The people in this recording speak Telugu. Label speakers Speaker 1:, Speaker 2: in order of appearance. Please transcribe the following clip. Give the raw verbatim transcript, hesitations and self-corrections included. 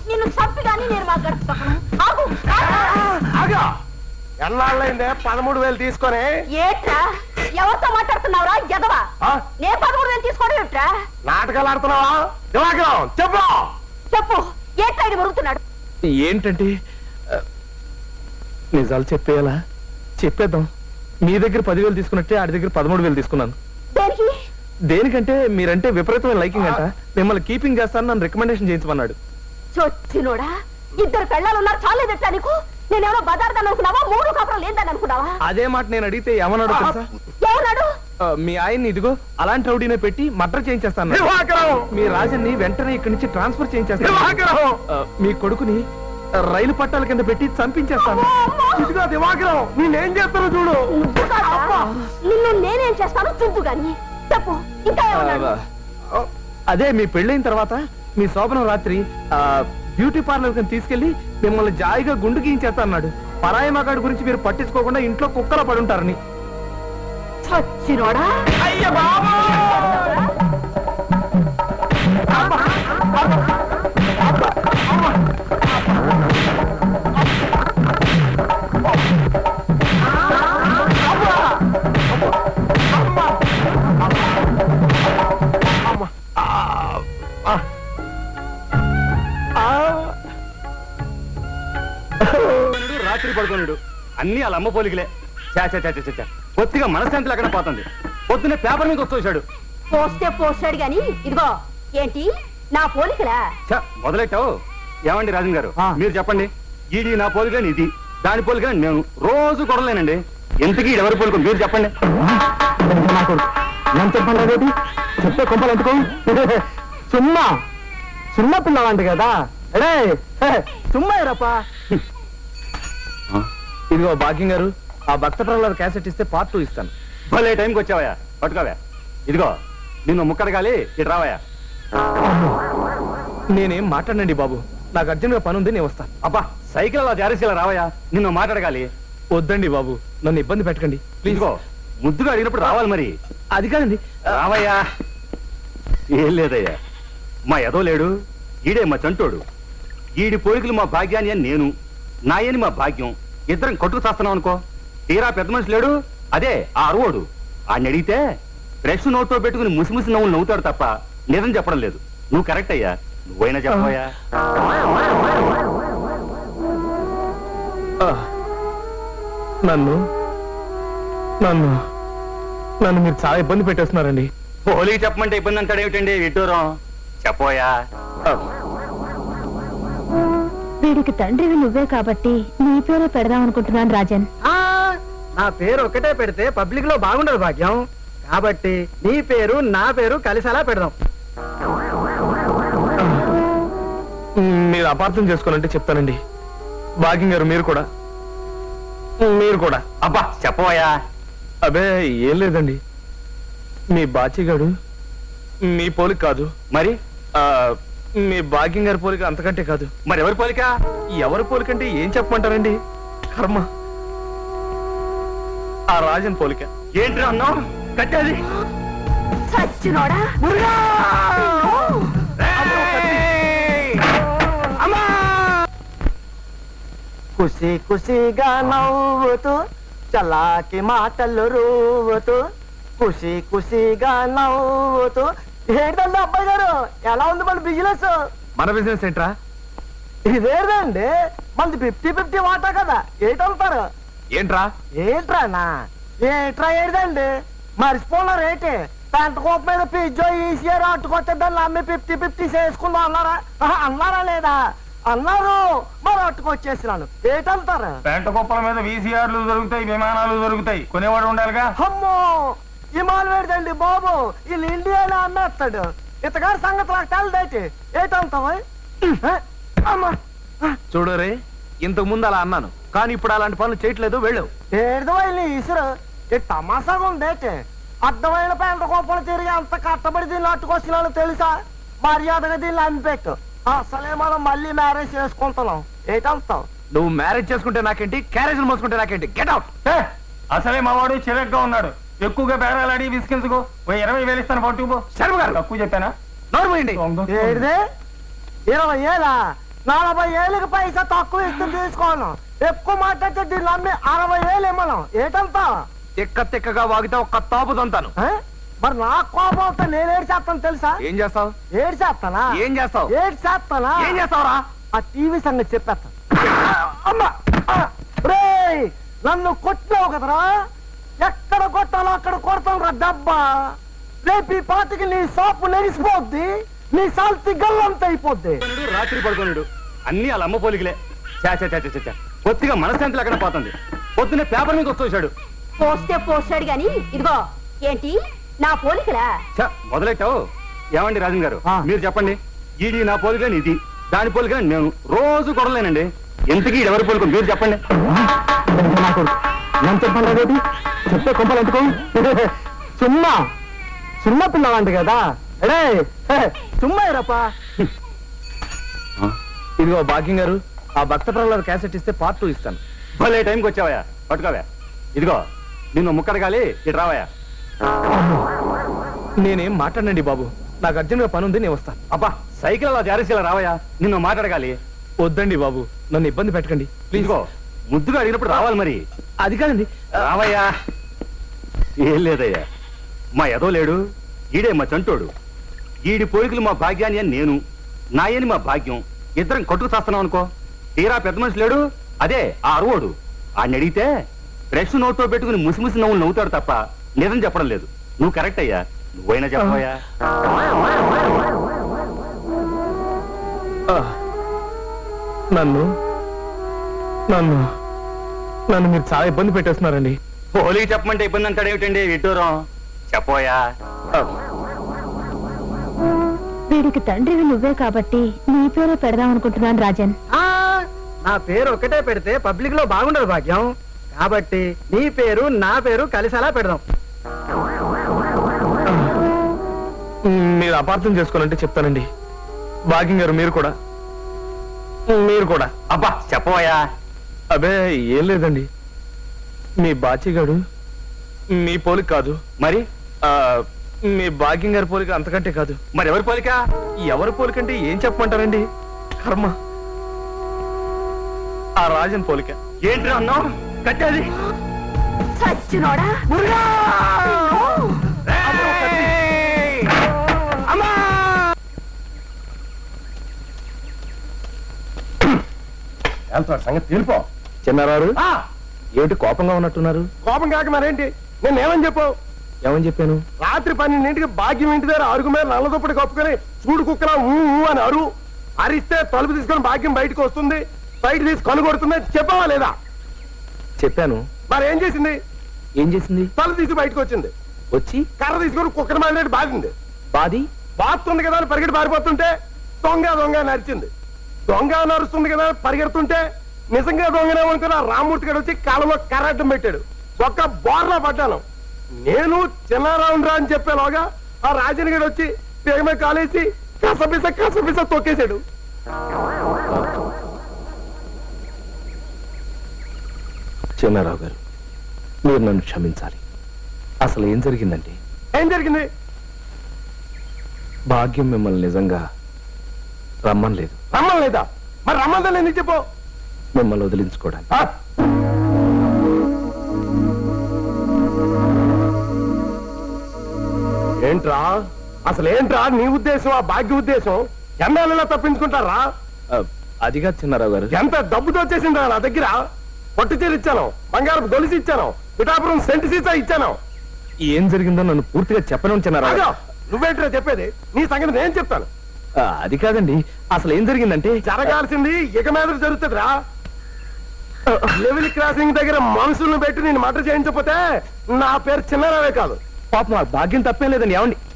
Speaker 1: నిన్ను చంపి కానీ నేను మా గడిచి ఆగు
Speaker 2: ఆగా ఎన్నాళ్ళైందే పదమూడు వేలు తీసుకొని
Speaker 1: ఏట్రా ఎవరితో మాట్లాడుతున్నావురా ఎదవా నేను పదమూడు వేలు తీసుకోవడం ఏట్రా
Speaker 2: నాటకాలు ఆడుతున్నావా దివాకరం చెప్పు
Speaker 1: చెప్పు ఏట్రా ఇది మరుగుతున్నాడు
Speaker 3: ఏంటంటే నిజాలు చెప్పేయాలా చెప్పేద్దాం మీ దగ్గర పదివేలు తీసుకున్నట్టే ఆడి దగ్గర పదమూడు వేలు తీసుకున్నాను
Speaker 1: దేనికి
Speaker 3: దేనికంటే మీరంటే విపరీతమైన లైకింగ్ అంట మిమ్మల్ని కీపింగ్ చేస్తాను నన్ను రికమెండేషన్ చేయించమన్నాడు
Speaker 1: చొచ్చినోడా ఇద్దరు పెళ్ళాలు ఉన్నారు చాలేదట్టా నీకు నేనేమో బదార్థాన్ని అనుకున్నావా మూడు కాపురం లేదని అనుకున్నావా
Speaker 3: అదే మాట నేను అడిగితే ఏమన్నాడు తెలుసా
Speaker 1: ఏమన్నాడు
Speaker 3: మీ ఆయన్ని ఇదిగో అలాంటి రౌడీనే పెట్టి మర్డర్ చేయించేస్తాను మీ రాజన్ని వెంటనే ఇక్కడి నుంచి ట్రాన్స్ఫర్ చేయించేస్తాను మీ కొడుకుని రైలు పట్టాల కింద పెట్టి చంపించేస్తాను
Speaker 2: ఇదిగో దివాకరం నేనేం చేస్తాను చూడు
Speaker 1: నిన్ను నేనేం చేస్తాను చూద్దు గాని చెప్పు ఇంకా
Speaker 3: అదే మీ పెళ్ళైన తర్వాత మీ శోభనం రాత్రి బ్యూటీ పార్లర్ కింద తీసుకెళ్లి మిమ్మల్ని జాయిగా గుండు గీయించేస్తా అన్నాడు పరాయి మగాడి గురించి మీరు పట్టించుకోకుండా ఇంట్లో కుక్కలా పడుంటారని
Speaker 1: చచ్చినోడా
Speaker 2: అయ్య బాబా
Speaker 4: రాత్రి పడుకోనుడు అన్ని వాళ్ళ అమ్మ పోలికలే చా పొత్తిగా మనశ్శాంతి లేకుండా పోతుంది పొద్దునే పేపర్ మీద వచ్చేసాడు
Speaker 1: పోస్తే పోస్తాడు గాని ఇదిగో ఏంటి నా పోలికలా
Speaker 4: మొదలెట్టావు ఏమండి రాజన్ గారు మీరు చెప్పండి ఇది నా పోలికని ఇది దాని పోలికని నేను రోజు కొడలేనండి ఎంతకీ ఎవరి పోలిక మీరు చెప్పండి
Speaker 3: నేను చెప్పండి చెప్తే కొంపలు ఎందుకు సుమ్మా సుమ్మ పిల్లవాంటి కదా అడే సుమ్మా రప్పా ఇదిగో భాగ్యం గారు ఆ భక్త ప్రహ్లాద క్యాసెట్ ఇస్తే పార్ట్ టూ ఇస్తాను
Speaker 4: భలే టైంకి వచ్చావయ్యా పట్టుకోవా ఇదిగో నిన్ను ముక్కడగాలి ఇటు రావయ్యా
Speaker 3: నేనేం మాట్లాడండి బాబు నాకు అర్జెంట్ గా పని ఉంది నేను వస్తాను
Speaker 4: అబ్బా సైకిల్ అలా జారేసేలా రావయ్యా నిన్ను మాట్లాడగాలి
Speaker 3: వద్దండి బాబు నన్ను ఇబ్బంది పెట్టకండి ప్లీజ్
Speaker 4: ముద్దుగా అడిగినప్పుడు రావాలి మరి
Speaker 3: అది కాదండి
Speaker 4: రావయ్యా ఏం లేదయ్యా మా ఎదో లేడు ఈడే మా చంటోడు ఈడి పోలికలు మా భాగ్యాన్ని అని నేను నాయని మా భాగ్యం ఇద్దరం కొట్టుకు చేస్తున్నాం అనుకో తీరా పెద్ద మనిషి లేడు అదే ఆ అరువోడు ఆయన అడిగితే బ్రష్ నోట్లో పెట్టుకుని ముసిముసి నవ్వులు నవ్వుతాడు తప్ప నిజం చెప్పడం లేదు నువ్వు కరెక్ట్ అయ్యా నువ్వైనా చెప్పబోయా
Speaker 3: నన్ను నన్ను నన్ను మీరు చాలా ఇబ్బంది పెట్టేస్తున్నారండి
Speaker 4: పోలీకి చెప్పమంటే ఇబ్బంది అంటాడు ఏమిటండి విడ్డూరం చెప్పోయా
Speaker 1: వీడికి తండ్రివి నువ్వే కాబట్టి నీ పేరే పెడదాం అనుకుంటున్నాను రాజన్
Speaker 3: నా పేరు ఒకటే పెడితే పబ్లిక్ లో బాగుండదు భాగ్యం కాబట్టి నీ పేరు నా పేరు కలిసేలా పెడదాం మీరు అపార్థం చేసుకోనంటే చెప్తానండి భాగ్యం గారు మీరు కూడా మీరు కూడా
Speaker 4: అబ్బా చెప్పవయ్యా
Speaker 3: అబే ఏం లేదండి మీ బాచిగాడు మీ పోలిక కాదు
Speaker 4: మరి
Speaker 3: మీ భాగ్యం గారి పోలిక అంతకంటే కాదు
Speaker 4: మరి ఎవరి పోలిక
Speaker 3: ఎవరి పోలికంటే ఏం చెప్పమంటారండి కర్మ ఆ రాజన్ పోలిక
Speaker 4: ఏంటి అన్నావు కట్టేది
Speaker 1: చచ్చినోడా
Speaker 2: కుసి కుసిగా నవ్వుతూ చలాకి మాటలు రూవుతూ కుసి కుసిగా నవ్వుతూ ఏంటండి అబ్బాయి గారు ఎలా ఉంది మన బిజినెస్
Speaker 3: మన బిజినెస్ ఏంట్రా
Speaker 2: ఇదేదండి మనది ఫిఫ్టీ ఫిఫ్టీ వాటా కదా ఏంటంటారు
Speaker 3: ఏంట్రా
Speaker 2: ఏంట్రానా ఏంట్రా ఏదండి మర్చిపోయినారు ఏంటి పెంట కోప మీద పిజ్జో ఈసీఆర్ అట్టుకొస్తే దాన్ని అమ్మి ఫిఫ్టీ ఫిఫ్టీ చేసుకుందాం అన్నారా అన్నారా లేదా అన్నారు మరి అట్టుకొచ్చేసినాను ఏంటంటారు
Speaker 5: పెంట కుప్పల మీద వీసీఆర్లు దొరుకుతాయి విమానాలు దొరుకుతాయి కొనేవాడు ఉండాలిగా
Speaker 2: అమ్మో హిమాలు వేడదండి బాబు వీళ్ళు ఇండియాలో అమ్మేస్తాడు ఇతగారి సంగతి నాకు తెలదేటి ఏటంటావా అమ్మా
Speaker 3: చూడు రే ఇంతకు ముందు అలా అన్నాను కానీ ఇప్పుడు అలాంటి పనులు చేయట్లేదు వెళ్ళు
Speaker 2: ఏదో వెళ్ళి ఇసురు ఈ తమాసాగా ఉందేటి అర్థమైన పెంట కోపలు తిరిగి అంత కట్టబడి దీన్ని అట్టుకొచ్చినాను తెలుసా మర్యాదగా దీన్ని అమ్మిపెట్టు అసలే మనం మళ్ళీ మ్యారేజ్ చేసుకుంటున్నాం ఏటంటావు
Speaker 3: నువ్వు మ్యారేజ్ చేసుకుంటే నాకేంటి క్యారేజ్ మోసుకుంటే నాకేంటి గెట్ అవుట్
Speaker 5: అసలే మావాడు చిరగ్గా ఉన్నాడు ఎక్కువగా బేరాలాడి విసికించుకో ఓ ఇరవై వేలు ఇస్తాను పట్టుకుపో
Speaker 3: శర్మ గారు
Speaker 5: తక్కువ చెప్పానా
Speaker 3: నోరుమోయండి
Speaker 2: ఏడిదే ఇరవై ఏలా నలభై ఏళ్ళకి పైసా తక్కువ ఇస్తే తీసుకోను, ఎక్కువ మాట్లాడితే దీన్ని అమ్మి అరవై వేలు ఇమ్మను. ఏటంతా
Speaker 3: తిక్క తిక్కగా వాగితే ఒక్క తాపు తంతాను.
Speaker 2: ఆ? మరి నా కోపం వస్తే నేను ఏడు చేస్తాను తెలుసా?
Speaker 3: ఏం చేస్తావు?
Speaker 2: ఏడు చేస్తానా?
Speaker 3: ఏం చేస్తావు?
Speaker 2: ఏడు చేస్తానా?
Speaker 3: ఏం చేస్తావురా?
Speaker 2: ఆ టీవీ సంగతి చెప్పేస్తాను. అమ్మా! ఆ! రేయ్! నన్ను కొట్టావు కదరా, ఎక్కడ కొట్టాలో అక్కడ కొడతాను రా డబ్బా. రేపు ఈ పాటికి నీ సోపు నెరిసిపోద్ది, నీ సాల్తి గల్లంత అయిపోద్ది.
Speaker 4: రాత్రి పడుకోనుడు అన్ని వాళ్ళ అమ్మ పోలికలే. చా చా చా చా చా. కొద్దిగా మనశ్శాంతి లేకుండా పోతుంది. పొద్దున్నే పేపర్ మీద వచ్చేసాడు.
Speaker 1: పోస్తే పోస్తాడు గాని ఇదిగో ఏంటి నా పోలికలా?
Speaker 4: చా మొదలెట్టావు. ఏమండి రాజన్ గారు,
Speaker 2: ఆ.
Speaker 4: మీరు చెప్పండి. ఇది నా పోలికని, ఇది దాని పోలికని నేను రోజు కొడలేనండి. ఎంతకీ ఇది ఎవరి పోలిక మీరు చెప్పండి.
Speaker 2: నేను చెప్పండి అదేంటి? చెప్తే కొంపలు ఎందుకు? సుమ్మా సుమ్మ పిల్లవాంటి కదా. అడే సుమ్మా రప్ప.
Speaker 3: ఇదిగో భాగ్యం గారు, ఆ భక్త ప్రహ్లాద క్యాసెట్ ఇస్తే పార్ట్ టూ ఇస్తాను.
Speaker 4: భలే టైంకి వచ్చావయ్యా, పట్టుకోవా. ఇదిగో నిన్ను ముక్కడగాలి, ఇటు రావయ్యా.
Speaker 3: నేనేం మాట్లాడండి బాబు, నాకు అర్జెంట్ గా పని ఉంది, నేను వస్తాను.
Speaker 4: అబ్బా సైకిల్ అలా జారేసేలా రావయ్యా, నిన్ను మాట్లాడగాలి.
Speaker 3: వద్దండి బాబు, నన్ను ఇబ్బంది పెట్టకండి ప్లీజ్.
Speaker 4: ఇదిగో ముద్దుగా అడిగినప్పుడు రావాలి మరి.
Speaker 3: అది కాదండి.
Speaker 4: రావయ్యా. ఏం లేదయ్యా, మా ఎదో లేడు, ఈడే మా చంటోడు. ఈడి పోలికలు మా భాగ్యాన్ని అని నేను, నాయని మా భాగ్యం, ఇద్దరం కొట్టుకు చేస్తున్నాం అనుకో. తీరా పెద్ద మనిషి లేడు, అదే ఆ అరువోడు. ఆయన అడిగితే బ్రష్ నోట్లో పెట్టుకుని ముసిముసి నవ్వులు నవ్వుతాడు తప్ప నిజం చెప్పడం లేదు. నువ్వు కరెక్ట్ అయ్యా, నువ్వైనా చెప్పవయ్యా.
Speaker 3: ఆ, నన్ను నన్ను నన్ను మీరు చాలా ఇబ్బంది పెట్టేస్తున్నారండి.
Speaker 4: పోలికి చెప్పమంటే ఇబ్బంది అంటాడు ఏమిటండి విడ్డూరం? చెప్పోయా.
Speaker 1: వీడికి తండ్రివి నువ్వే కాబట్టి నీ పేరే పెడదాం అనుకుంటున్నాను రాజన్.
Speaker 2: ఆ, నా పేరు ఒకటే పెడితే పబ్లిక్ లో బాగుండదు భాగ్యం, కాబట్టి నీ పేరు నా పేరు కలిసేలా పెడదాం.
Speaker 3: మీరు అపార్థం చేసుకోనంటే చెప్తానండి. భాగ్యం గారు మీరు కూడా మీరు కూడా
Speaker 4: అబ్బా చెప్పవయ్యా.
Speaker 3: అబే ఏం లేదండి, మీ బాచిగాడు మీ పోలిక కాదు,
Speaker 4: మరి
Speaker 3: ఆ, మీ భాగ్యం గారి పోలిక అంతకంటే కాదు.
Speaker 4: మరి ఎవరి పోలిక?
Speaker 3: ఎవరి పోలికంటే ఏం చెప్పమంటారండి? కర్మ, ఆ రాజన్ పోలిక.
Speaker 4: ఏంటి అన్నావు? కట్టేది
Speaker 1: సచ్చినోడా!
Speaker 5: సంగతి తెలిపో.
Speaker 3: చిన్నారారు ఏమిటి కోపంగా ఉన్నట్టున్నారు?
Speaker 2: కోపం కాక మరేంటి, నేను ఏమని చెప్పావు?
Speaker 3: ఏమని చెప్పాను?
Speaker 2: రాత్రి పన్నెండింటికి భాగ్యం ఇంటి దగ్గర అరుగు మీద నల్లదుప్పటి కప్పుకొని చూడు కుక్కలా ఊ ఊ అని అరు అరిస్తే తలుపు తీసుకొని భాగ్యం బయటకు వస్తుంది, బయట తీసి కనుగొడుతుంది. చెప్పావా లేదా?
Speaker 3: చెప్పాను.
Speaker 2: మరి ఏం చేసింది?
Speaker 3: ఏం చేసింది?
Speaker 2: తలుపు తీసి బయటకు వచ్చింది,
Speaker 3: వచ్చి
Speaker 2: కర్ర తీసుకొని కుక్కర్ మాదిరి బాధింది.
Speaker 3: బాది
Speaker 2: బాస్తుంది కదా అని పరిగెట్టి పారిపోతుంటే దొంగ దొంగ నరిచింది. దొంగ నరుస్తుంది కదా అని పరిగెడుతుంటే నిజంగా దొంగనే అనుకున్న రామ్మూర్తి గారు వచ్చి కాలంలో కర్రడ్డం పెట్టాడు. ఒక్క బోర్లా పడ్డాను. నేను చిన్నారావు రా అని చెప్పేలోగా ఆ రాజన్ గడు వచ్చి పేగమే కాలేసి కసపిస కసపిస తొక్కేశాడు.
Speaker 3: చిన్నారావు గారు, మీరు నన్ను క్షమించాలి. అసలు ఏం జరిగిందంటే,
Speaker 2: ఏం జరిగింది?
Speaker 3: భాగ్యం మిమ్మల్ని నిజంగా రమ్మనలేదు.
Speaker 2: రమ్మని లేదా? మరి రమ్మందని ఎందుకు చెప్పు?
Speaker 3: మిమ్మల్ని వదిలించుకోవడానికి.
Speaker 2: ఆ? ఏంట్రా అసలు ఏంట్రా నీ ఉద్దేశం, ఆ భాగ్య ఉద్దేశం? ఎన్నాళ్ళలో తప్పించుకుంటారా?
Speaker 3: ఆ, అదిగా చిన్నారావు గారు,
Speaker 2: ఎంత డబ్బుతో వచ్చేసిందా నా దగ్గర? పట్టు చీర ఇచ్చాను, బంగారపు గొలుసు ఇచ్చాను, పిఠాపురం సెంటు సీసా ఇచ్చాను.
Speaker 3: ఏం జరిగిందో నన్ను పూర్తిగా చెప్పను చిన్నారావు
Speaker 2: అదో
Speaker 3: గారు.
Speaker 2: నువ్వేంట్రా చెప్పేది? నీ సంగతి నేను చెప్తాను.
Speaker 3: ఆ, అది కాదండి, అసలు ఏం జరిగిందంటే,
Speaker 2: జరగాల్సింది ఇక మీద జరుగుతుందిరా. లెవెల్ క్రాసింగ్ దగ్గర మనుషులను పెట్టి నేను మటర్ చేయించకపోతే నా పేరు చిన్నారావే కాదు.
Speaker 3: పాపం ఆ భాగ్యం తప్పేం లేదండి. ఏమండి